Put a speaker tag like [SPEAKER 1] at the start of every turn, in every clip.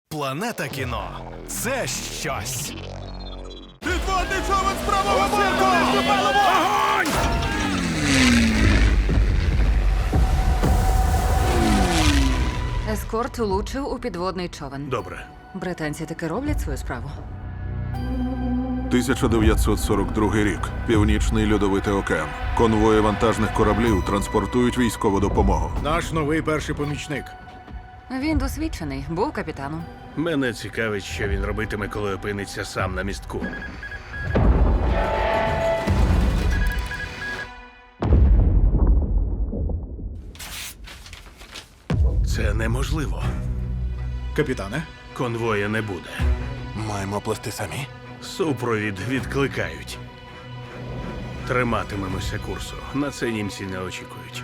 [SPEAKER 1] Планета кіно – це щось.
[SPEAKER 2] Підводний човен з правого боку! Огонь!
[SPEAKER 3] Ескорт влучив у підводний човен.
[SPEAKER 4] Добре.
[SPEAKER 3] Британці таки роблять свою справу.
[SPEAKER 5] 1942 рік. Північний льодовитий океан. Конвої вантажних кораблів транспортують військову допомогу.
[SPEAKER 2] Наш новий перший помічник.
[SPEAKER 3] Він досвідчений, був капітаном.
[SPEAKER 4] Мене цікавить, що він робитиме, коли опиниться сам на містку. Це неможливо.
[SPEAKER 2] Капітане?
[SPEAKER 4] Конвоя не буде.
[SPEAKER 5] Маємо плести самі.
[SPEAKER 4] Супровід відкликають. Триматимемося курсу. На це німці не очікують.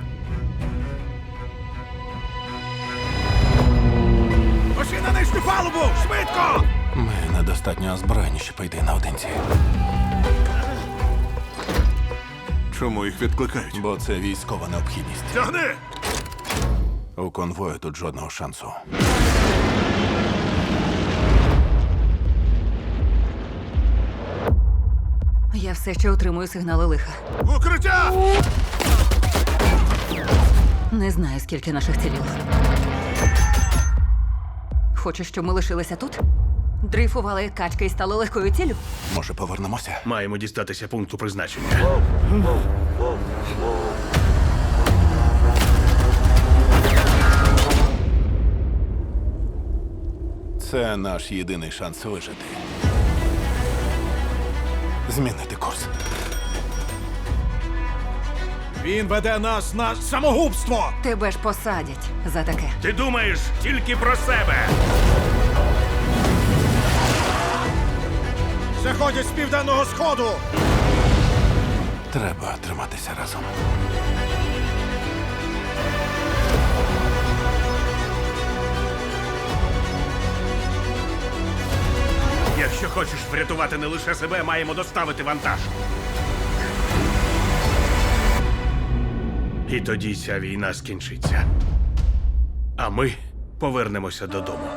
[SPEAKER 2] Пошли на нижню палубу! Швидко!
[SPEAKER 5] Ми недостатньо озброєні, щоб йти наодинці. Чому їх відкликають? Бо це військова необхідність.
[SPEAKER 4] Тягни!
[SPEAKER 5] У конвою тут жодного шансу.
[SPEAKER 3] Я все ще отримую сигнали лиха.
[SPEAKER 2] Укриття!
[SPEAKER 3] Не знаю, скільки наших цілів. Хочеш, щоб ми лишилися тут? Дрейфували як качки і стали легкою ціллю?
[SPEAKER 5] Може, повернемося?
[SPEAKER 4] Маємо дістатися пункту призначення.
[SPEAKER 5] Це наш єдиний шанс вижити. Змінити курс.
[SPEAKER 2] Він веде нас на самогубство!
[SPEAKER 3] Тебе ж посадять за таке.
[SPEAKER 4] Ти думаєш тільки про себе!
[SPEAKER 2] Заходять з південного сходу!
[SPEAKER 5] Треба триматися разом.
[SPEAKER 4] Якщо хочеш врятувати не лише себе, маємо доставити вантаж. І тоді ця війна скінчиться. А ми повернемося додому.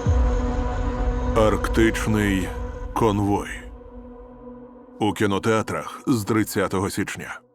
[SPEAKER 5] Арктичний конвой. У кінотеатрах з 30 січня.